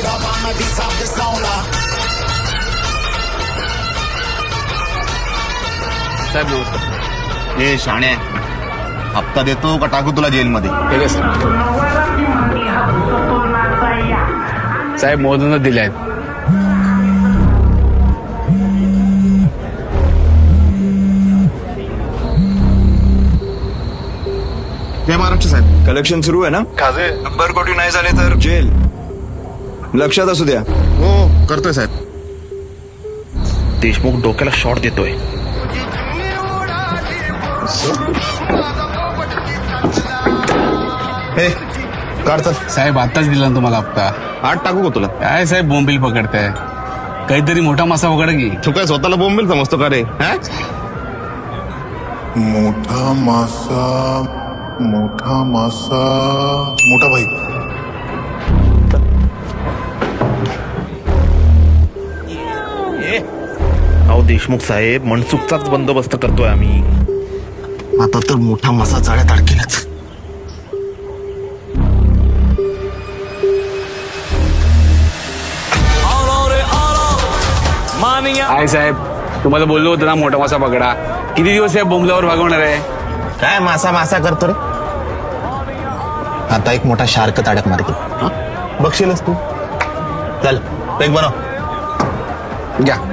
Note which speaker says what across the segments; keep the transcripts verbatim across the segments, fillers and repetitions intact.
Speaker 1: साहेब नमस्कार.
Speaker 2: हे शाणे हप्ता देतो का टाकू तुला जेलमध्ये?
Speaker 1: ठीक आहे साहेब. साहेब मोदींना दिले आहेत.
Speaker 2: जय महाराष्ट्र साहेब.
Speaker 3: कलेक्शन सुरू आहे ना?
Speaker 2: खाजे
Speaker 3: नंबर कोटी नाही झाले तर जेल. लक्षात असू द्या.
Speaker 2: हो करतोय साहेब. देशमुख डोक्याला शॉट देतोय. हे काढत
Speaker 1: साहेब आत्ताच दिला ना तुम्हाला हप्ता.
Speaker 2: आठ टाकू का तुला?
Speaker 1: काय साहेब बोंबील पकडताय? काहीतरी मोठा मासा पकड की.
Speaker 2: तू काय स्वतःला बोंबील समजतो का रे? हा?
Speaker 4: मोठा मासा मोठा मासा मोठा भाई.
Speaker 2: अहो देशमुख साहेब मनसुखचाच बंदोबस्त करतोय आम्ही. आता तर मोठा मासा जाळ्यात अडकेलाच.
Speaker 1: काय साहेब तुम्हाला बोललो होतं ना मोठा मासा पकडा. किती दिवस या बोंबलावर भागवणार आहे?
Speaker 2: काय मासा मासा करतो रे? आता एक मोठा शार्क ताडक मारतो. बघशीलच तू. चल पेक बनव. घ्या.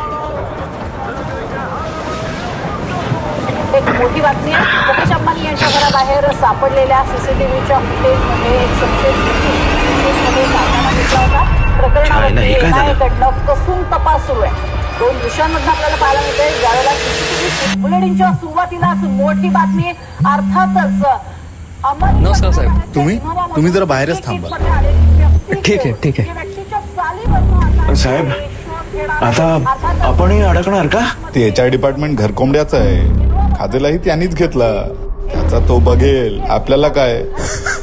Speaker 5: एक मोठी बातमी आहे. मुकेश अंबानी यांच्या घराबाहेर सापडलेल्या सीसीटीव्हीच्या फुटेजमध्ये एक संशयित फुटेजमध्ये सापळा घेतला होता. प्रकरणामध्ये एनआयएकडनं कसून तपास सुरू आहे. दोन दिवसांमध्ये आपल्याला पाहायला मिळते ज्यावेळेला सीसीटीव्ही बुलेटिनच्या सुरुवातीलाच मोठी बातमी. अर्थातच
Speaker 6: नमस्कार साहेब.
Speaker 4: तुम्ही तुम्ही जरा बाहेरच थांबा.
Speaker 6: ठीक आहे ठीक आहे.
Speaker 3: साहेब आता आपणही अडकणार का?
Speaker 4: ते एच आय डिपार्टमेंट घरकोंबड्याचं आहे. खाजेलाही त्यांनीच घेतला. त्याचा तो बघेल. आपल्याला काय.